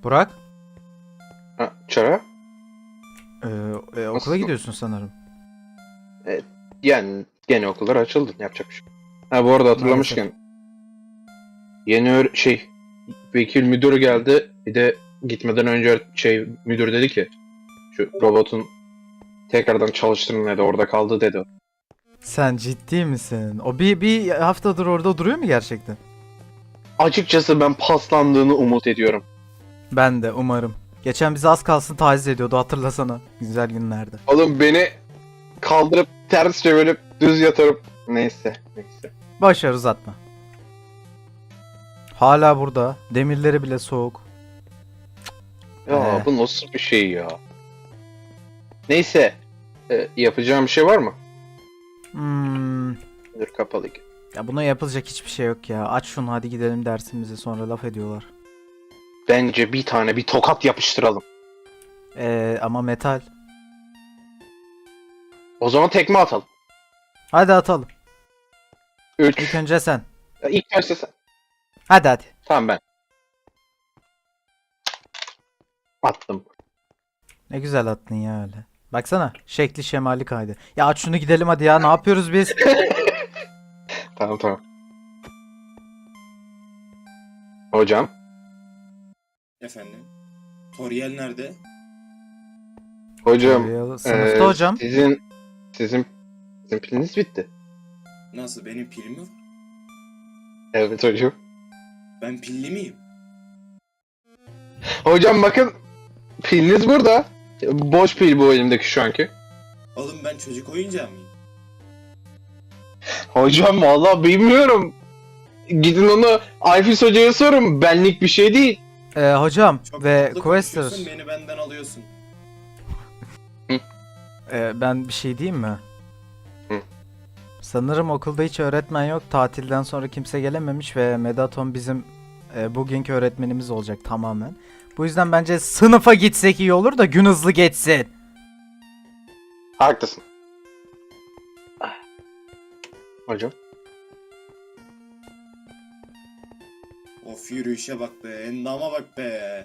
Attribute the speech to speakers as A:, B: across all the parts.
A: Burak,
B: Ha, Çara?
A: okula
B: Nasıl?
A: gidiyorsun sanırım.
B: Yani gene okullar açıldı. Yapacak bir şey yok. Ha, bu arada hatırlamışken yeni vekil müdürü geldi. Bir de gitmeden önce müdür dedi ki şu robotun tekrardan çalıştırın dedi. Orada kaldı dedi.
A: Sen ciddi misin? O bir haftadır orada duruyor mu gerçekten?
B: Açıkçası ben paslandığını umut ediyorum.
A: Ben de umarım. Geçen bizi az kalsın taciz ediyordu, hatırlasana. Güzel günlerde.
B: Oğlum beni kaldırıp ters çevirip düz yatırıp neyse.
A: Boş ver, uzatma. Hala burada. Demirleri bile soğuk.
B: Ya bu nasıl bir şey ya? Neyse. Yapacağım bir şey var mı?
A: Hmm,
B: Dur kapalı.
A: ya buna yapılacak hiçbir şey yok ya. Aç şunu, hadi gidelim dersimize, sonra laf ediyorlar.
B: Bence bir tokat yapıştıralım.
A: Ama metal.
B: O zaman tekme atalım.
A: Hadi atalım.
B: 3.
A: İlk önce sen.
B: İlk başta sen.
A: Hadi.
B: Tamam ben. Attım.
A: Ne güzel attın ya öyle. Baksana, şekli şemali kaydı. Ya aç şunu, gidelim hadi ya, ne yapıyoruz biz?
B: Tamam. Hocam.
C: Efendim? Toriel nerede?
B: Hocam.
A: Sınıfta hocam.
B: Sizin piliniz bitti.
C: Nasıl, benim pilim mi var?
B: Evet hocam.
C: Ben pilli miyim?
B: Hocam bakın. Piliniz burada. Boş pil bu elimdeki şu anki.
C: Oğlum ben çocuk oyuncağı mıyım?
B: Hocam vallahi bilmiyorum. Gidin onu Ayfis hocaya sorun. Benlik bir şey değil.
A: Hocam
C: Çok
A: ve
C: tatlı
A: Quester.
C: konuşuyorsun, beni benden alıyorsun.
A: Ben bir şey diyeyim mi?
B: Hı.
A: Sanırım okulda hiç öğretmen yok. Tatilden sonra kimse gelememiş ve Medaton bizim bugünkü öğretmenimiz olacak tamamen. Bu yüzden bence sınıfa gitsek iyi olur da gün hızlı geçsin.
B: Haklısın. Hocam.
C: Of, yürüyüşe bak be, endama bak be.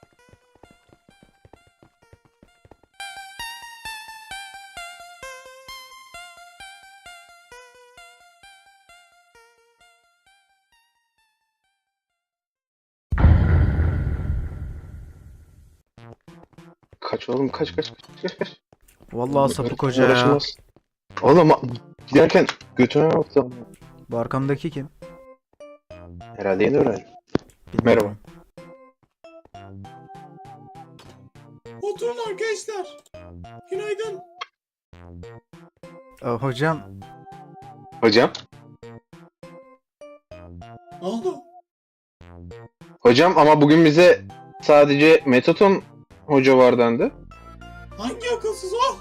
B: Kaç oğlum kaç.
A: Vallahi sapık hoca ya.
B: Uğraşılmaz. Oğlum giderken götüne baktım.
A: Bu arkamdaki kim?
B: Herhalde yeni öğrenci.
A: Bilmiyorum.
C: Oturun arkadaşlar. Günaydın.
A: Hocam,
B: Hocam.
C: Ne oldu?
B: Hocam ama bugün bize sadece Metaton hoca var dendi.
C: Hangi akılsız o?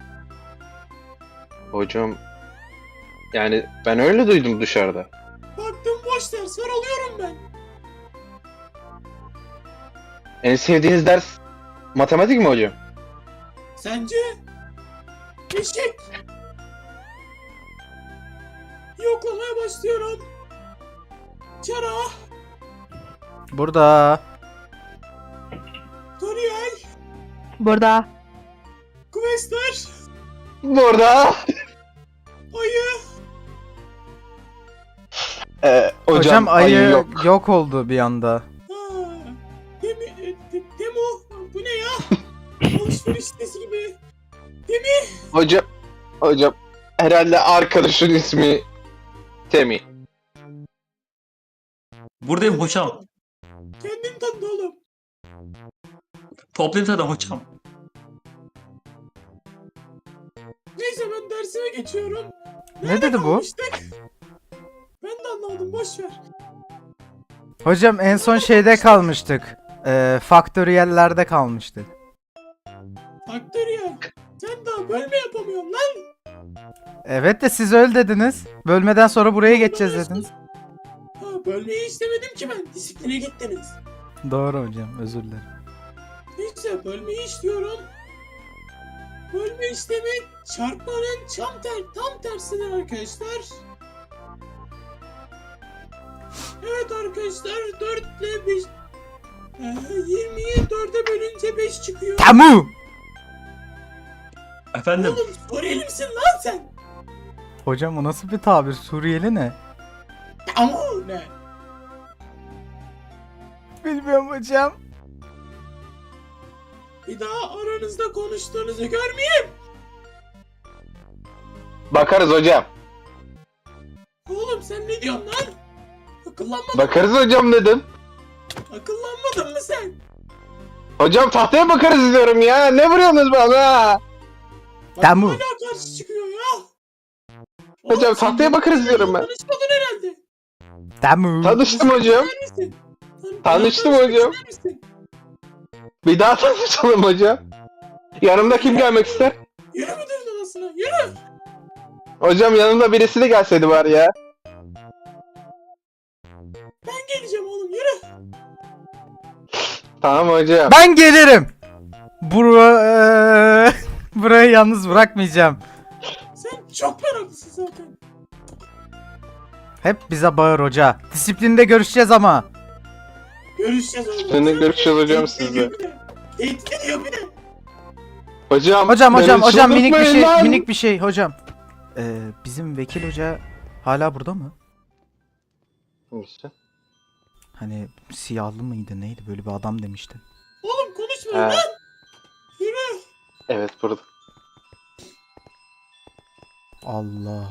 B: Hocam. Yani ben öyle duydum dışarıda.
C: Baktım boş ders var, alıyorum ben.
B: En sevdiğiniz ders matematik mi hocam?
C: Sence? Eşek. Yoklamaya başlıyorum. Çara,
A: burada.
C: Toriel,
D: Burada.
C: Quester,
B: Burada.
C: Ayı.
A: Hocam ayı
B: yok.
A: yok oldu bir anda.
C: Ha, Demo. Bu ne ya? Alışveriş sitesi gibi.
B: Hocam herhalde arkadaşın ismi Temi.
E: Buradayım hocam.
C: Kendin tanıdı oğlum.
E: Toplantıda hocam.
C: Neyse ben dersime geçiyorum.
A: Ne dedi bu?
C: Kalmıştık? Ben de anlamadım, boş ver.
A: Hocam en son şeyde kalmıştık. Faktöriyellerde kalmıştık.
C: Faktöriyel. Sen daha bölme yapamıyorsun lan.
A: Evet de siz öyle dediniz. Bölmeden sonra buraya geçeceğiz dediniz.
C: Ha, bölmeyi istemedim ki ben. Disipline gittiniz.
A: Doğru hocam, özür dilerim.
C: Neyse bölmeyi işliyorum. Bölme işlemi çarpmanın tam tersidir arkadaşlar. Evet arkadaşlar, 4 ile 5...
D: 20'yi 4'e bölünce 5 çıkıyor.
A: Tamu.
E: Efendim?
D: Oğlum Suriyeli misin lan sen?
A: Hocam o nasıl bir tabir? Suriyeli ne?
D: Ama ne?
A: Bilmiyorum hocam.
D: Bir daha aranızda konuştuğunuzu görmeyeyim.
B: Bakarız hocam.
D: Oğlum sen ne diyorsun lan? Akıllanmadın,
B: Bakarız hocam dedim.
D: akıllanmadın mı sen?
B: Hocam tahtaya bakarız diyorum ya. Ne vuruyorsunuz bana?
D: Bak
A: Tamu.
D: hala karşı çıkıyor ya.
B: Hocam,
D: Oğlum, sen
B: tahtaya
D: benimle
B: bakarız diyorum ben.
D: Tanışmadın herhalde.
A: Tamu.
B: Tanıştım hocam.
D: İster misin?
B: Tanıştım
D: Tanışmak
B: hocam.
D: ister misin?
B: Bir daha tanışalım hocam. Yanımda kim gelmek ister?
D: Yürü müdürün odasına yürü.
B: Hocam yanımda birisi de gelseydi var ya.
D: Ben geleceğim oğlum yürü.
B: Tamam hocam.
A: Ben gelirim. Burayı yalnız bırakmayacağım.
D: Sen çok meraklısın zaten.
A: Hep bize bağır hoca. Disiplinde görüşeceğiz ama.
D: Görüşeceğiz oğlum.
B: Seninle görüşeceğiz hocam
D: Tehdit
B: sizle.
D: ediyor bir de. Tehdit ediyor bir de.
B: Hocam.
A: Hocam
B: beni
A: minik bir şey
B: çıldırtmayın lan.
A: minik bir şey hocam. Bizim vekil hoca hala burada mı?
B: İşte.
A: Hani siyahlı mıydı neydi böyle bir adam demişti.
D: Oğlum konuşma
B: He.
D: lan. Yürü.
B: Evet burada.
A: Allah.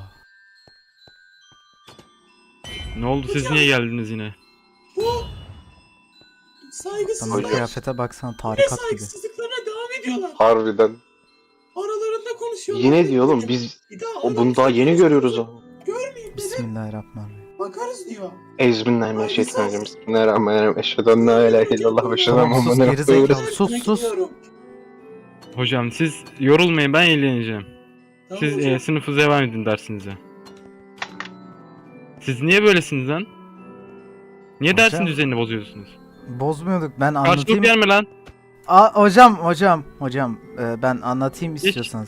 E: Ne oldu siz niye geldiniz yine?
D: Bu
A: Sana
D: saygısızlar.
A: kıyafete baksana
D: Ve
A: tarikat gibi.
D: saygısızlıklarına devam ediyorlar.
B: Harbiden.
D: Aralarında konuşuyorlar.
B: Yine diyor oğlum biz
D: Bir daha
B: bunu daha yeni görüyoruz o.
D: Görmeyeyim dedim.
A: Bismillahirrahmanirrahim.
D: Bakarız diyor.
B: Euzubillahimineşşeytanirracim. Bismillahirrahmanirrahim. Eşhedü en la ilahe illallah ve eşhedü enne
A: Tamam, sus
B: Muhammeden
A: gerizekalı.
B: Resulullah.
A: Sus sus.
D: Gidiyorum.
E: Hocam siz yorulmayın ben eğleneceğim.
D: Tamam
E: Siz
D: hocam.
E: sınıfı devam edin dersinize. Siz niye böylesiniz lan? Niye
A: Hocam,
E: dersin düzenini bozuyorsunuz?
A: Bozmuyorduk ben
E: Karşılık
A: anlatayım.
E: gelme lan.
A: Hocam ben anlatayım
E: Hiç.
A: istiyorsanız.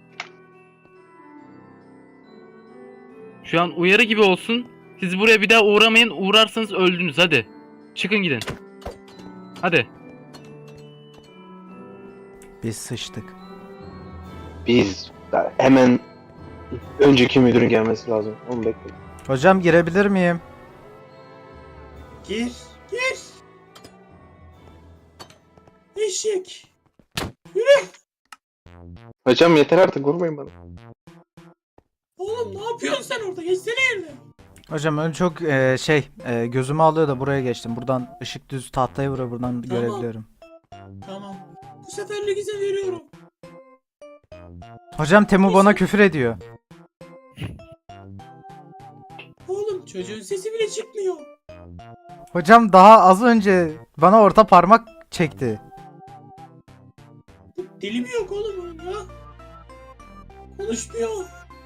E: Şu an uyarı gibi olsun. Siz buraya bir daha uğramayın. Uğrarsanız öldünüz hadi. Çıkın gidin. Hadi.
A: Biz sıçtık.
B: Biz hemen önceki müdürün gelmesi lazım. Onu bekle.
A: Hocam girebilir miyim?
D: Gir. Gir. Eşek.
B: Hocam yeter artık vurmayın bana.
D: Oğlum ne yapıyorsun sen orada? Geçsene yerine.
A: Hocam ön çok gözümü alıyor da buraya geçtim. Buradan ışık düz tahtaya vuruyor buradan görebiliyorum.
D: Tamam. Bu seferlik izin veriyorum.
A: Hocam Temu bana küfür ediyor.
D: Oğlum çocuğun sesi bile çıkmıyor.
A: Hocam daha az önce bana orta parmak çekti.
D: Dili mi yok oğlum onun ya? Konuşmuyor.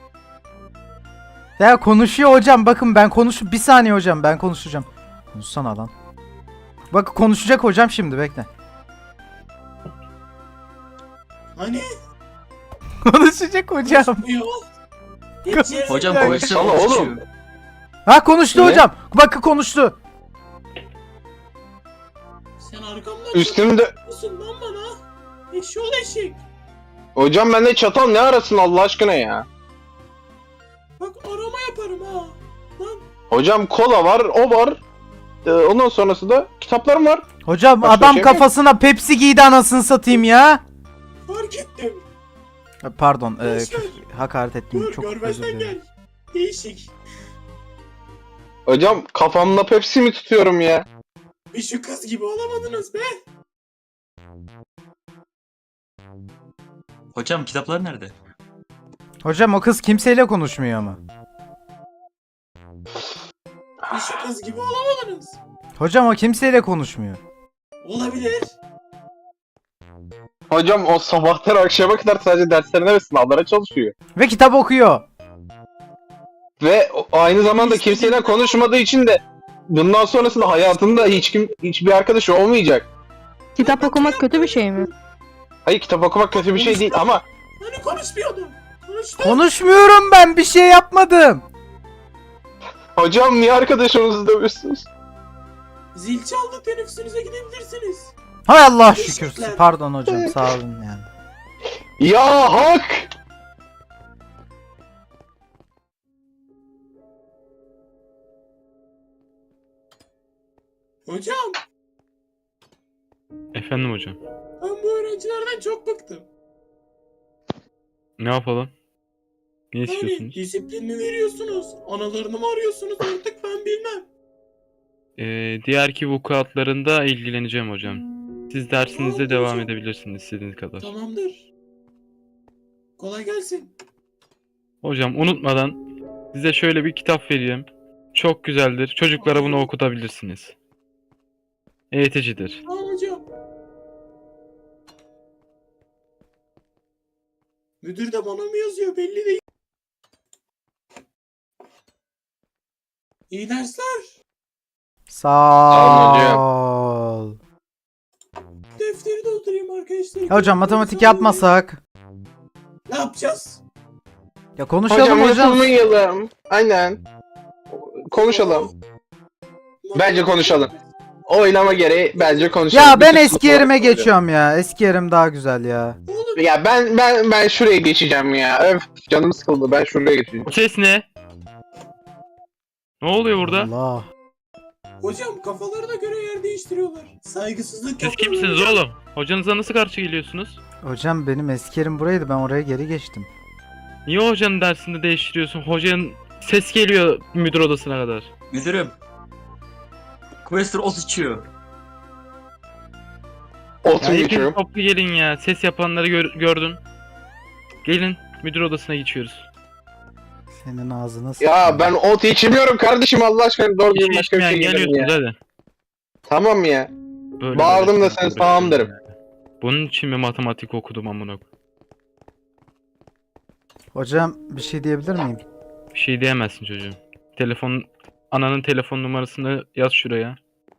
A: Ya konuşuyor hocam bakın bir saniye hocam ben konuşacağım. Konuşsana lan. Bak konuşacak hocam şimdi bekle.
D: Hani?
A: Konuşacak hocam.
D: Konuşmuyor. Geç yerine.
F: Hocam
A: Ya,
F: konuşsa
B: Allah oğlum.
F: konuşuyor.
A: Ha konuştu
B: Ne?
A: hocam. Bakın konuştu.
D: Sen arkamdan
B: Üstümde...
D: çatıyorsun lan bana. Eşşoğlu eşek.
B: Hocam bende çatal ne arasın Allah aşkına ya?
D: Bak arama yaparım ha. Lan
B: Hocam kola var, o var. Ondan sonrası da kitaplarım var.
A: Hocam
B: Başka
A: adam
B: şey mi?
A: kafasına Pepsi giydi anasını satayım ya.
D: fark ettim.
A: Pardon
D: Boş ver.
A: hakaret ettim
D: Dur
A: çok özür
D: görmezden
A: dilerim.
D: gel. Değişik.
B: Hocam kafamla Pepsi mi tutuyorum ya?
D: Bir şu kız gibi olamadınız be.
F: Hocam kitaplar nerede?
A: Hocam o kız kimseyle konuşmuyor ama.
D: Bir şu kız gibi olamadınız.
A: Hocam o kimseyle konuşmuyor.
D: Olabilir.
B: Hocam o sabahtan akşama kadar sadece derslerine ve sınavlara çalışıyor.
A: Ve kitap okuyor.
B: Ve aynı zamanda kimseyle konuşmadığı için de bundan sonrasında hayatında hiçbir arkadaşı olmayacak.
G: Kitap okumak kötü bir şey mi?
B: Hayır kitap okumak kötü bir şey değil ama
D: Hani konuşmuyordun? Konuştun.
A: Konuşmuyorum ben bir şey yapmadım.
B: hocam niye arkadaşınızı dövüyorsunuz?
D: Zil çaldı, teneffüsünüze gidebilirsiniz.
A: Hay Allah şükür.
D: Teşekkürler.
A: Pardon hocam, sağ olun yani.
B: Ya hak!
D: Hocam,
E: Efendim hocam.
D: ben bu öğrencilerden çok bıktım.
E: Ne yapalım? Ne
D: Yani
E: istiyorsunuz?
D: disiplin mi veriyorsunuz? Analarını mı arıyorsunuz artık ben bilmem.
E: Diğerki vukuatlarında ilgileneceğim hocam. Siz dersinize
D: Tamam
E: devam
D: hocam.
E: edebilirsiniz istediğiniz kadar.
D: Tamamdır. Kolay gelsin.
E: Hocam unutmadan size şöyle bir kitap vereyim. Çok güzeldir. Çocuklara bunu okutabilirsiniz. Eğiticidir.
D: Tamam hocam. Müdür de bana mı yazıyor belli değil. İyi dersler.
A: Sağ
B: hocam.
A: ol.
D: Defteri doldurayım arkadaşlar.
A: Ya hocam matematik yapmasak.
D: Ne yapacağız?
A: Ya konuşalım
B: Hocam
A: hocam.
B: unutmayalım. Aynen. Konuşalım. Bence konuşalım. Oylama gereği bence konuşalım.
A: Ya ben
B: Bütün
A: eski yerime
B: sınıflar konuşalım.
A: geçiyorum ya. Eski yerim daha güzel ya.
D: Oğlum
B: Ya ben şuraya geçeceğim ya. Öf, canım sıkıldı. Ben şuraya geçeceğim.
E: Bu ses ne? Ne oluyor burada?
A: Allah.
D: hocam kafalarına göre yer değiştiriyorlar. Saygısızlık
E: Siz
D: yapıyorlar.
E: kimsiniz oğlum? Hocanıza nasıl karşı geliyorsunuz?
A: Hocam benim eski yerim buraydı. Ben oraya geri geçtim.
E: Niye hocanın dersinde değiştiriyorsun? Hocanın ses geliyor müdür odasına kadar.
F: Müdürüm. Quester ot içiyor.
E: Ya
B: Otur
E: hepiniz
B: geçiyorum.
E: toplu gelin ya. Ses yapanları gördüm. Gelin müdür odasına geçiyoruz.
A: Senin ağzına
B: Ya
A: sıçayım.
B: ben ot içmiyorum kardeşim Allah aşkına. Doğru
E: Bir
B: düzgün
E: şey
B: başka bir şey
E: içmeyen
B: gelirim ya.
E: geliyorsunuz hadi.
B: Tamam ya.
E: Böyle
B: Bağırdım
E: böyle
B: da sen sağım derim.
E: Bunun için mi matematik okudum amına koyayım?
A: Hocam bir şey diyebilir miyim?
E: Bir şey diyemezsin çocuğum. Ananın telefon numarasını yaz şuraya.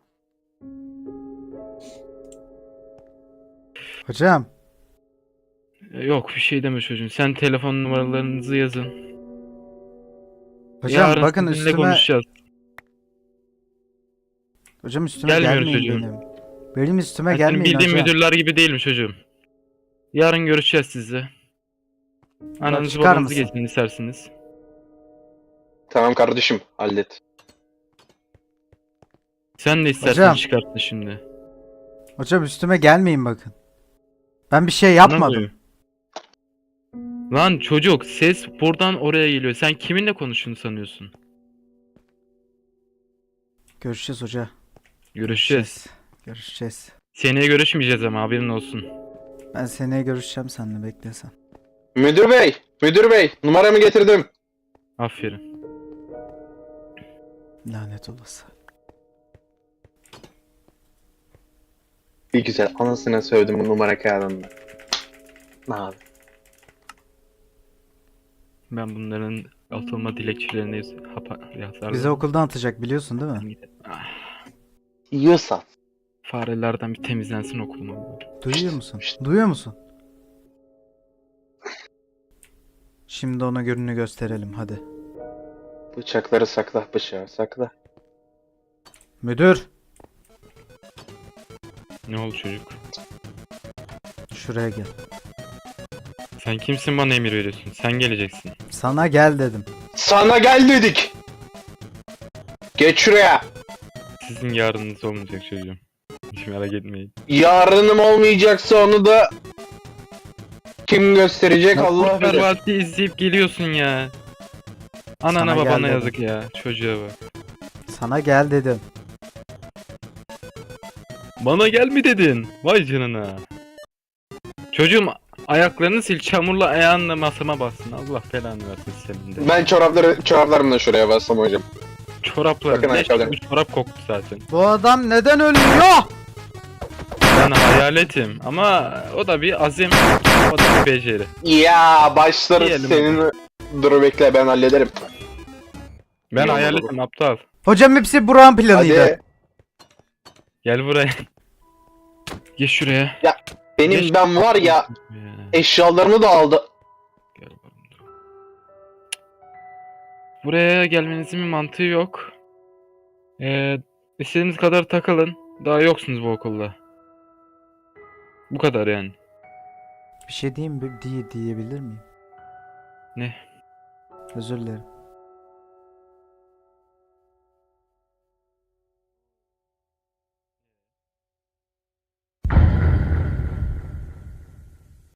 A: Hocam.
E: Yok bir şey deme çocuğum. Sen telefon numaralarınızı yazın.
A: Hocam
E: Yarın
A: bakın
E: sizinle
A: üstüme.
E: konuşacağız.
A: Hocam üstüme
E: Gelmiyoruz
A: gelmeyin
E: çocuğum.
A: benim. Benim üstüme
E: Ben senin
A: gelmeyin
E: bildiğin
A: hocam.
E: müdürler gibi değilim çocuğum. Yarın görüşeceğiz sizle. Ananızı
A: çıkar
E: babanızı
A: mısın?
E: getirin isterseniz.
B: Tamam kardeşim hallet.
E: Sen de istersen
A: Hocam.
E: çıkartın şimdi.
A: Hocam üstüme gelmeyin bakın. Ben bir şey
E: Ne
A: yapmadım.
E: oluyor? Lan çocuk ses buradan oraya geliyor. Sen kiminle konuştuğunu sanıyorsun?
A: Görüşeceğiz hoca.
E: Görüşeceğiz.
A: Görüşeceğiz.
E: Seneye görüşmeyeceğiz ama haberin olsun.
A: Ben seneye görüşeceğim seninle, beklesen.
B: Müdür bey, numaramı getirdim.
E: Aferin.
A: Lanet olası.
B: Bir güzel anasına sövdüm bu numara kağıdında. Ne abi?
E: Ben bunların atılma dilekçelerini yazardım.
A: Bizi okuldan atacak biliyorsun değil mi?
E: Ah,
B: Yiyorsa.
E: farelerden bir temizlensin okulum ama.
A: Duyuyor musun? Duyuyor musun? Şimdi ona gününü gösterelim hadi.
B: Bıçakları sakla, bıçağı sakla.
A: Müdür.
E: Ne oldu çocuk?
A: Şuraya gel.
E: Sen kimsin bana emir veriyorsun? Sen geleceksin.
A: Sana gel dedim.
B: Sana gel dedik. Geç şuraya.
E: Sizin yarınınız olmayacak çocuğum. Hiç merak etmeyin.
B: Yarınım olmayacaksa onu da kim gösterecek Allah
E: Kurtlar
B: bilir.
E: Vadisi izleyip geliyorsun ya. Anana
A: Sana
E: babana
A: gel dedim.
E: yazık ya. Çocuğa bak.
A: Sana gel dedim.
E: Bana gel mi dedin? Vay canına. Çocuğum ayaklarını sil, çamurla ayağınla masama bassın. Allah belanı versin senin de.
B: Ben çoraplarımla şuraya bassam hocam.
E: Çoraplar.
B: Bakın
E: Ne
B: ayakkabılarım.
E: bu çorap koktu zaten.
A: Bu adam neden ölüyor?
E: Ben hayaletim ama o da bir azim, o da bir beceri.
B: Ya başları
E: Diyelim
B: senin. Dur bekle ben hallederim.
E: Ben
B: İyi
E: hayaletim aptal.
A: Hocam hepsi Burak'ın planıydı.
B: Hadi.
E: Gel buraya. Geç şuraya.
B: Benim ben var ya eşyalarımı da aldı.
E: Gel bakalım. Buraya gelmenizin bir mantığı yok. İstediğiniz kadar takılın. Daha yoksunuz bu okulda. Bu kadar yani.
A: Bir şey diyeyim mi? Diyebilir miyim?
E: Ne?
A: Özür dilerim.